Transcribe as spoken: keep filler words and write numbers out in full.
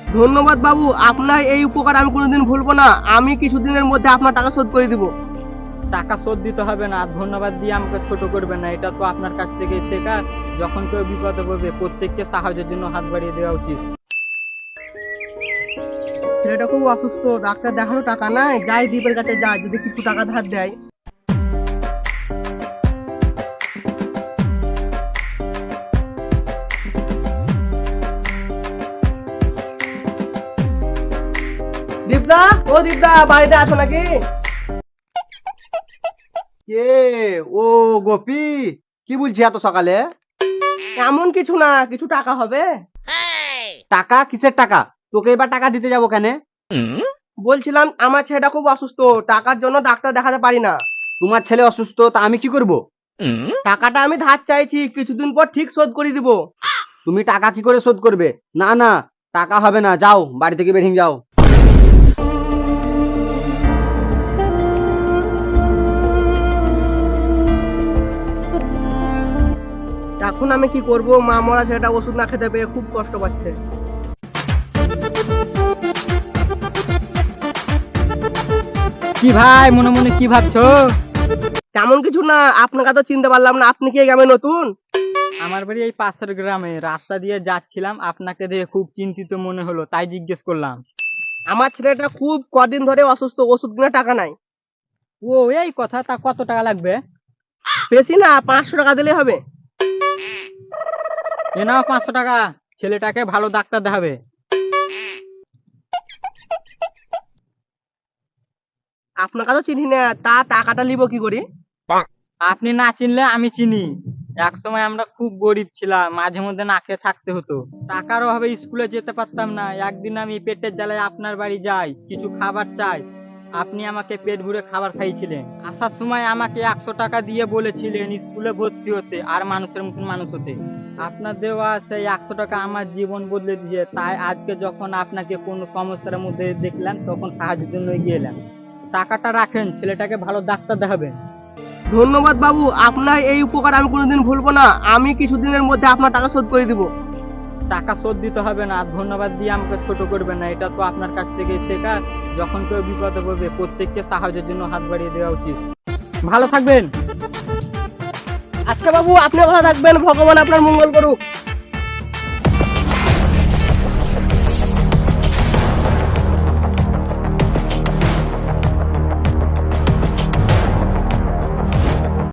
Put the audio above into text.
ধন্যবাদ বাবু, আপনার এই উপকার আমি কোনোদিন ভুলবো না। আমি কিছুদিনের মধ্যে আপনার টাকা শোধ করে দিব। টাকা শোধ দিতে হবে না, ধন্যবাদ দিয়ে আমাকে ছোট করবেন না। এটা তো আপনার কাছ থেকে শেখা, যখন কেউ বিপদে পড়বে প্রত্যেককে সাহায্যের জন্য হাত বাড়িয়ে দেওয়া উচিত। ছেলেটা খুব অসুস্থ, ডাক্তার দেখানো টাকা নাই, যাই দ্বীপের কাছে যায়, যদি কিছু টাকা ধার দেয়। দীপদা, ও দীপদা, বাড়িতে আছো নাকি? কে? ও গোপী, কি বলছি এত সকালে? এমন কিছু না, কিছু টাকা হবে। টাকা? কিসের টাকা? তোকে এবার টাকা দিতে যাবো কেন? বলছিলাম আমার ছেলেটা খুব অসুস্থ, টাকার জন্য ডাক্তার দেখাতে পারি না। তোমার ছেলে অসুস্থ, তা আমি কি করব? টাকাটা আমি ধার চাইছি, কিছুদিন পর ঠিক শোধ করে দিব। তুমি টাকা কি করে শোধ করবে? না না, টাকা হবে না, যাও বাড়ি থেকে বেরিয়ে যাও। এখন আমি কি করব? মা মরা ছেলেটা ওষুধ না খেতে পেয়ে খুব কষ্ট পাচ্ছে। কি ভাই, মনে মনে কি ভাবছো? তেমন কিছু না, আপনাকে তো চিনতে পারলাম না। আপনি কি এই গ্রামে নতুন? আমার বাড়ি এই পাশের গ্রামে, রাস্তা দিয়ে যাচ্ছিলাম, আপনাকে দেখে খুব চিন্তিত মনে হলো, তাই জিজ্ঞেস করলাম। আমার ছেলেটা খুব কদিন ধরে অসুস্থ, ওষুধ কিনে টাকা নাই। ও এই কথা, তা কত টাকা লাগবে? বেশি না, পাঁচশো টাকা দিলে হবে। এ নাও পাঁচশো টাকা, ছেলেটাকে ভালো ডাক্তার দেখাবে। আপনাকে তো চিনি না, তা টাকাটা নিব কি করে? আপনি না চিনলে আমি চিনি। এক সময় আমরা খুব গরিব ছিলাম, মাঝে মধ্যে না খেয়ে থাকতে হতো, টাকার অভাবে স্কুলে যেতে পারতাম না। একদিন আমি পেটের জ্বালায় আপনার বাড়ি যাই, কিছু খাবার চাই। আপনি আমাকে পেট ভরে খাবার খাইয়েছিলেন। আসার সময় আমাকে একশো টাকা দিয়ে বলেছিলেন স্কুলে ভর্তি হতে আর মানুষের মতন মানুষ হতে। আপনার দেওয়া সেই একশো টাকা আমার জীবন বদলে দিয়ে, তাই আজকে যখন আপনাকে কোনো সমস্যার মধ্যে দেখলাম তখন সাহায্যের জন্য এগিয়ে এলাম। টাকাটা রাখেন, ছেলেটাকে ভালো ডাক্তার দেখাবেন। ধন্যবাদ বাবু, আপনার এই উপকার আমি কোনোদিন ভুলবো না। আমি কিছুদিনের মধ্যে আপনার টাকা শোধ করে দিব। টাকা শোধ দিতে হবে না, ধন্যবাদ দিয়ে আমাকে ছোট করবেন না। এটা তো আপনার কাছ থেকে শেখা, যখন কেউ বিপদে পড়বে প্রত্যেককে সাহায্যের জন্য হাত বাড়িয়ে দেওয়া উচিত। ভালো থাকবেন। আচ্ছা বাবু, আপনি ভালো থাকবেন, ভগবান আপনার মঙ্গল করুক।